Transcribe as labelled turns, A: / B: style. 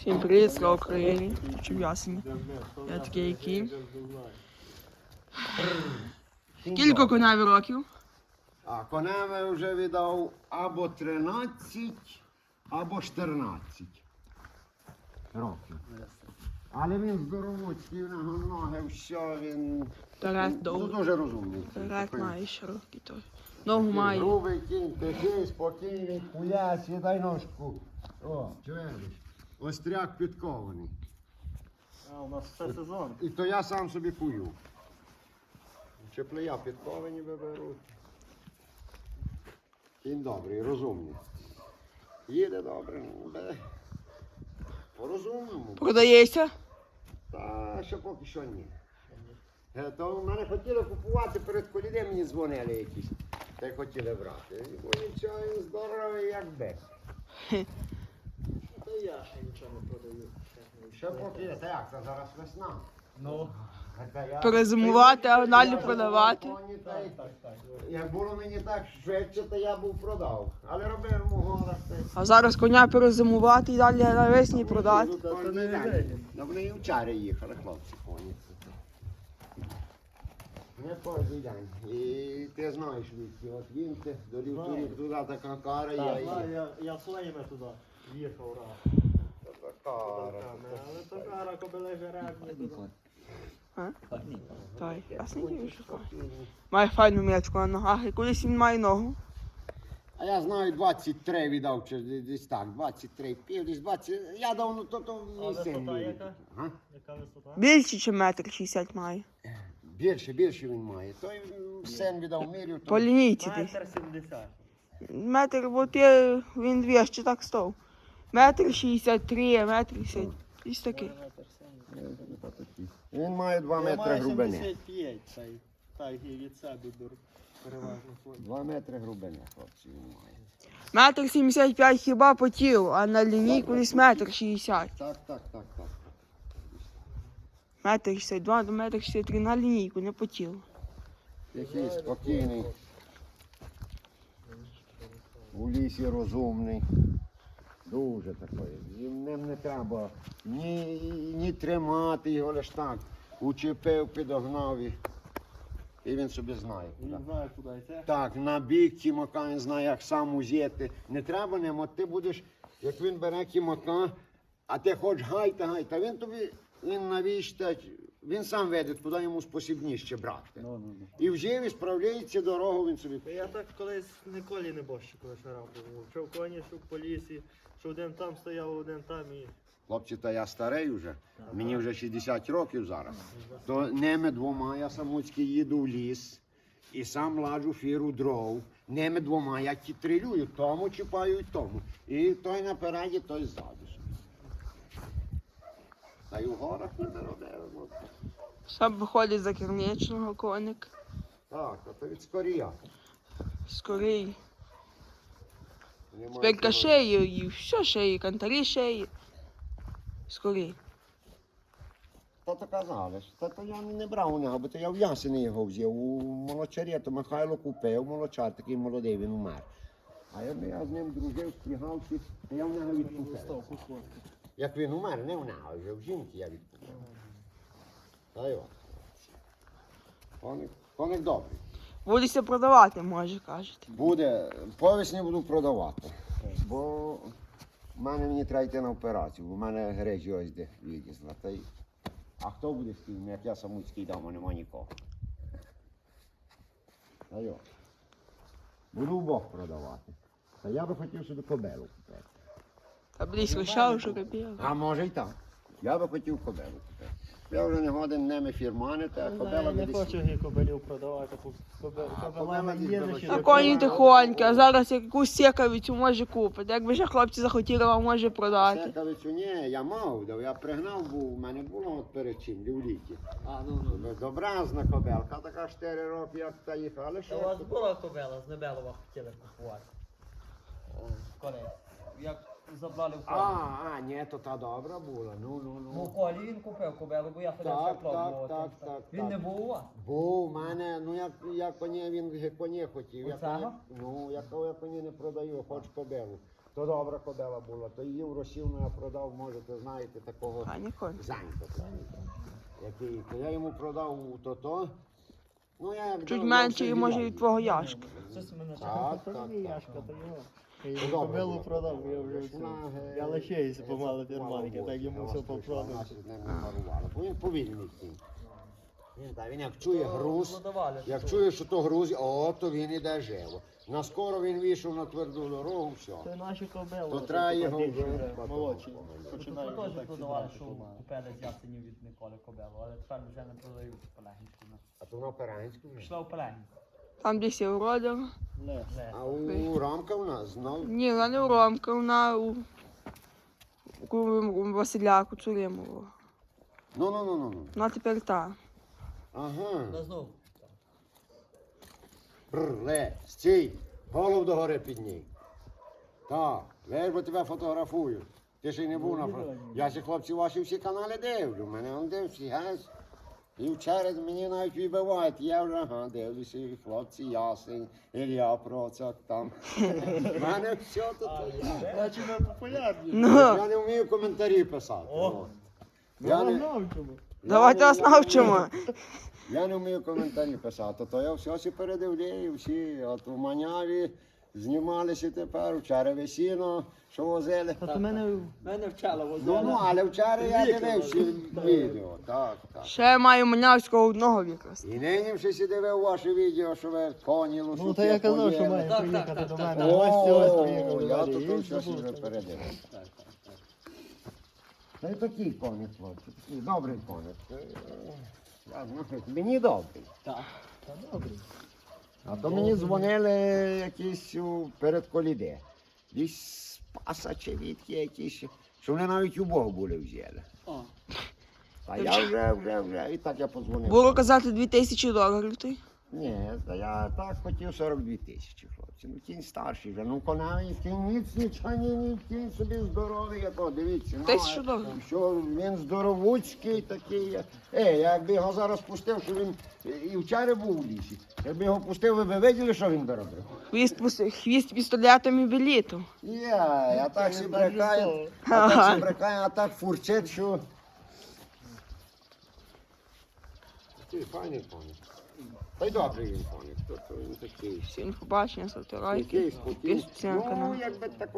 A: Всім привіт, слава Україні, чим ясені. Я такий кінь. Скільки коневі років?
B: А коневі вже віддав або 13, або 14 років. Але він здоровуцький, в нього ноги, все, він
A: Перед довго.
B: дуже розумний.
A: Перед має широкий той. Ногу має.
B: Грубий кінь, тихий, спокійний, пулясь, дай ножку. О, чуєш? Остряк підкований.
C: А, у нас все сезон.
B: І то я сам собі кую. Чеплея підковані виберуть. Кінь добрий, розумний. Їде добре, по-розумному.
A: Продається?
B: Та ще поки що ні. То в мене хотіли купувати, перед колідем мені дзвонили якісь. Та й хотіли брати. Бо нічого, він здоровий, як бек.
C: Та я ще нічого не продаю.
B: Ще поки, та як, це зараз весна.
C: Ну,
A: Перезимувати, а далі продавати.
B: Як було мені так швидше, то я був продав. Але робив йому горах.
A: А зараз коня перезимувати і далі навесні продати.
B: Вони і вчора їхали, хлопці, коні. Не кожен день. І ти знаєш, Вітки, от він ти дорів туди така кара, я їх.
C: я своїми туди їхав раз.
B: Кара.
C: Але то кара кобили жеребні.
A: Так, ясненький шукає. Має файну м'ячку на ногах і колись він має ногу.
B: А я знаю, 23 віддав, чи десь так, 23, пів, десь 20. Я давно то
C: А
B: мій син.
C: висота
B: був.
C: яка?
B: Га?
C: Яка висота?
A: Більше, ніж 1,60 м має.
B: Більше він має. Той син віддав мірю.
A: По лінійці десь.
C: 1,70 м.
A: Метр, от є, він 200 так став. 1,63 м, 1,70 м. Ось такий.
B: Він має 2 метри глибини.
C: 75, так і від себе беру. Переважно.
B: 2 метри глибини, хлопці, він має.
A: 1,75 м хіба по тілу, а на лінійку десь 1,60 м.
B: Так.
A: 1,62 до 1,63 м на лінійку, не по тілу.
B: Який спокійний. У лісі розумний. Дуже такий. Ним не треба ні тримати його, лиш так. Учепив, підогнав і він собі знає.
C: Він знає, куди йти.
B: Так, на бік кімака, він знає, як сам узяти. Не треба ним, от ти будеш, як він бере кімака, а ти хочеш гайта, він тобі, він навіщо, він сам веде, куди йому спосібніше брати. І вже і справляється дорогу, він собі.
C: Я так колись ніколи не борщу, коли шарав був. Що в коні, що по лісі, що один там стояв, один там і...
B: Хлопці, та я старий вже, мені вже 60 років зараз. То ними двома я самуцький їду в ліс і сам ладжу фіру дров. Ними двома я трилюю, тому чіпаю і тому. І той напереді, той ззаду. Та й у горах не робимо.
A: Сам виходить за керничного коник.
B: Так, а то від скорія.
A: Скорий. Спинка шиї, і все шиї, кантарі шиї. Скорий.
B: Та то казали, та то я не брав у нього, бо то я в Ясені його взяв. У молочарі, то Михайло купив, молочар такий молодий, він умер. А я з ним дружив, спрягався, то я в нього відкупив. Як він умер, не в нього, вже в жінки я відкупив. Та й от. Коник добрий.
A: Будеться продавати, може, кажете.
B: Буде, по весні буду продавати. Бо мені треба йти на операцію, бо в мене гречі ось де відізла. А хто буде з тим, як я самуцький дам, нема нікого. Та йо. Буду вбох продавати. Та я би хотів собі кобелу купити.
A: Та близько шав, що капіла.
B: А може й так. Я би хотів кобелу купити. Я вже не годен ними фірманити, а кобела
C: Не
B: буде
C: хочу їх кобилів продавати, кобила не їде ще.
A: А коні тихонькі, а зараз якусь сікавицю може купити. Якби ще хлопці захотіли, вам може продати.
B: Секавицю ні, я мав, я пригнав, був, у мене було от перечин, в літі. Добразна кобелка, така 4 роки, як та їхала, але
D: У
B: що?
D: вас була кобила з Небелова хотіли купувати? Колись. Як забрали в колі.
B: Ні, то та добра була,
D: Ну, в колі він купив кобилу, бо я ходив
B: Так,
D: за клуб.
B: так.
D: Він не був у вас?
B: Був, у мене, я коні, він коні хотів.
D: Оцього?
B: Я коні не продаю, хоч кобилу. То добра кобила була, то її в Росію я продав, можете знаєте, такого
A: Файний конь.
B: Занька. Який, то я йому продав то. Ну, я як
A: Чуть
B: дав,
A: менше,
B: я
A: може, від твого яшка.
D: Щось мене
B: Так,
C: Та
B: так,
C: ні,
B: так.
C: Яшка, то його. Я
B: Ну,
C: її
B: добре
C: кобилу
B: було.
C: продав, я вже все. Я лишаюся помалу фірманки, так йому все
B: попродав.
C: попродав.
B: Бо він повільний кінь. Він як чує груз,
D: Продавали.
B: як чує, що то груз, то він іде живо. Наскоро він вийшов на тверду дорогу, все.
C: Це наші кобили.
B: То треба його
C: такі
B: вже
C: молодші.
D: Тут
C: Починають
D: теж
C: так
D: продавали, що
C: сідати.
D: купили з ясенів від Миколи кобилу, але тепер вже не продають в Пелегінську.
B: А то на Операнську вже.
D: Пішла в Пелегінську.
A: Там десь є уродив.
C: Не.
B: А у Ромка у нас знов.
A: Ні, вона не у Ромка, вона у Василя Куцуримового.
B: Ну.
A: Вона тепер та.
B: Ага.
D: Та знов.
B: Стій, голову догори підній. Так, весь бо тебе фотографую. Ти ще й не був на фото. Я ще хлопці ваші всі канали дивлю. Мене он дивлюся, газ. І вчора мені навіть вибивають. Я вже дивлюся, і хлопці ясень, Ілля Процак там. В мене все тут.
C: Значить ми популярні.
A: Ну,
B: Я не вмію коментарі писати.
D: О.
B: Я
C: Ну,
B: не-
C: знав чому.
A: давайте вас навчимо.
B: Я не вмію коментарі писати, то я все передивляю, всі, от у Маняві знімалися тепер, вчора весіно, що возили.
C: Та то мене
D: Мене вчала
B: Ну, але вчора я дивився відео, так.
A: Ще я маю Манявського одного якраз.
B: І нині вже сі дивив ваше відео, що ви коні лошуки
C: Ну, та я казав, що
B: поїли.
C: має
D: Так,
C: приїхати
D: так,
C: до
D: так,
C: мене.
D: так.
C: Гості ось
B: О,
C: приїхали.
B: я
C: далі.
B: тут
C: І
B: все
C: забув,
B: вже
C: що-
B: передивив. Та й такий коник, хлопці, такий добрий коник. Я знаю, мені добрий.
C: Та добре.
B: А то мені дзвонили якісь перед коліде. Десь паса чи відки якісь, що вони навіть у Бога були взяли.
D: О.
B: А я вже, і так я подзвонив.
A: Було казати $2000 той.
B: Ні, та я так хотів 42 тисячі, хлопці. Ну кінь старший вже, ну конавий кінь, ніц нічого, ні, кінь собі здоровий, якого, дивіться. Ну,
A: $1000.
B: що він здоровуцький такий. Якби його зараз пустив, що він і вчора був у лісі. Якби його пустив, ви б виділи, що він доробив?
A: Хвіст пістолетом і білітом.
B: Я так
C: Він
B: сі
C: так
B: брикаю,
C: жорстоко.
B: а так фурчить, що... Такий файний коник. Та й добрий він коник, то він такий.
A: Всім побачення, ставте лайки.
B: Який спокійний.
A: Підписуйтесь на канал.
B: Ну, якби так